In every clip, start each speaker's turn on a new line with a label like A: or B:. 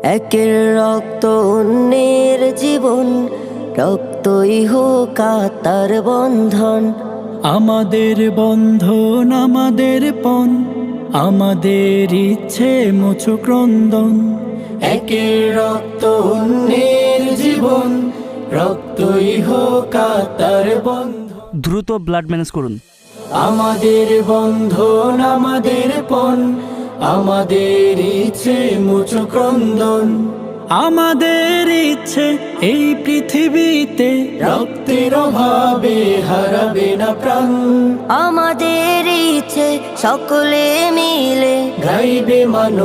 A: একের রক্ত অন্যের জীবন, রক্তই হোক তার বন্ধন।
B: আমাদের বন্ধন আমাদের পণ, আমাদের ইচ্ছে মুছু ক্রন্দন।
C: একের রক্ত অন্যের জীবন, রক্তই হোক তার বন্ধন।
D: দ্রুত ব্লাড ম্যানেজ করুন।
C: আমাদের বন্ধন আমাদের পণ, আমাদের ইচ্ছে মুছু ক্রন্দন।
B: আমাদের ইচ্ছে এই পৃথিবীতে
C: রক্তের অভাবে হারাবে না প্রাণ।
A: আমাদের ইচ্ছে সকলে মিলে
C: গাইবে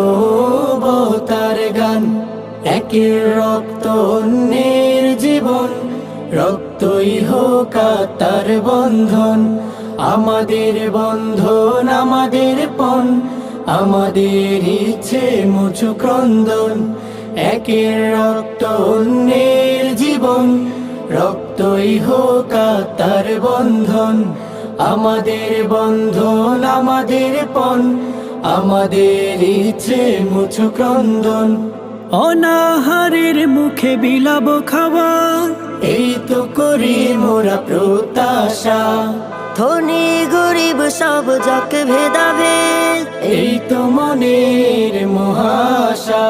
C: মানবতার গান। একের রক্ত অন্যের জীবন, রক্তই হোক তার বন্ধন। আমাদের বন্ধন আমাদের পণ, আমাদের ইচ্ছে মুছু ক্রন্দন। একের রক্ত অন্যের জীবন, রক্তই হোক তার বন্ধন। আমাদের বন্ধন আমাদের পণ, আমাদের ইচ্ছে মুছু ক্রন্দন।
B: অনাহারের মুখে বিলাব খাবার,
C: এই তো করি মোরা প্রত্যাশা।
A: ধনী গরিব সব যাকে ভেদাভেদ,
C: এই তো মনের মহাশা।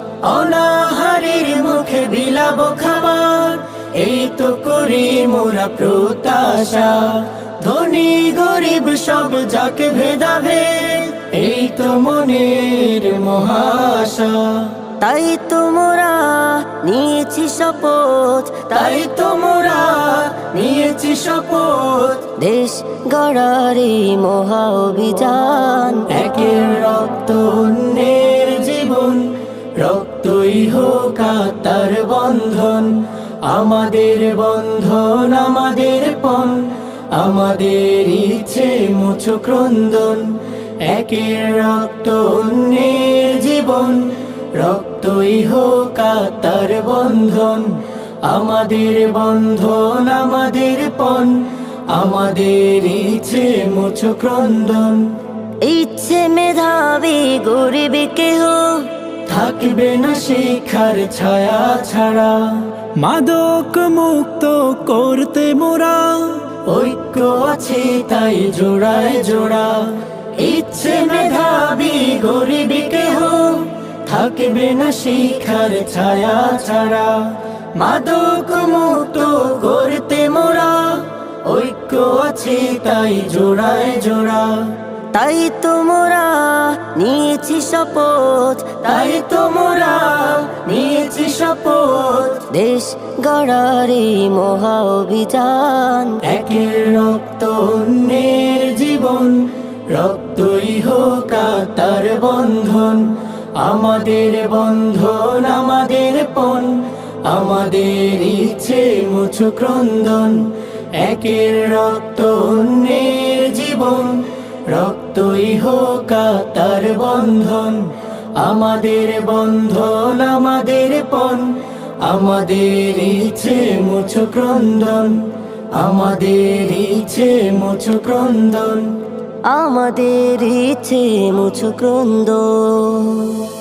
C: অনাহারের মুখে বিলাব খাবার, এই তো করি মোরা প্রত্যাশা। ধনী গরিব সব যাকে ভেদাভেদ, এই তো মনের মহাশা।
A: তাই তোমরা নিয়েছি শপথ,
C: তাই তোমরা নিয়েছি শপথ।
A: দেশ গড়ার এই মহা অভিযান।
C: একের রক্ত অন্যের জীবন, রক্তই হোক তার বন্ধন। আমাদের বন্ধন আমাদের পণ, আমাদের ইচ্ছে মুছু ক্রন্দন। একের রক্ত অন্যের জীবন, রক্তই হোক তার বন্ধন। আমাদের বন্ধন আমাদের পণ, আমাদের ইচ্ছে মুছু ক্রন্দন।
A: ইচ্ছে মেধাবী গরিব কেহ
C: থাকবে না শিক্ষার ছায়া ছাড়া।
B: মাদক মুক্ত করতে মোরা
C: ঐক্য আছে তাই জোড়ায় জোড়া। ইচ্ছে মেধাবী গরিব কেহ থাকবে না শিক্ষার ছায়া ছাড়া। মাদক মুক্ত করতে মোরা ঐক্য আছে তাই জোড়ায় জোড়া।
A: তাই তোমরা নিয়েছি শপথ,
C: তাই তোমরা নিয়েছি শপথ।
A: দেশ গড়ার এই মহা অভিযান।
C: একের রক্ত অন্যের জীবন, রক্তই হোক তার বন্ধন। আমাদের বন্ধন আমাদের পণ, আমাদের ইচ্ছে মুছু ক্রন্দন। একের রক্ত অন্যের জীবন, রক্তই হোক তার বন্ধন। আমাদের বন্ধন আমাদের পণ, আমাদের ইচ্ছে মুছু ক্রন্দন। আমাদের ইচ্ছে মুছু ক্রন্দন।
A: আমাদের ইচ্ছে মুছু ক্রন্দন।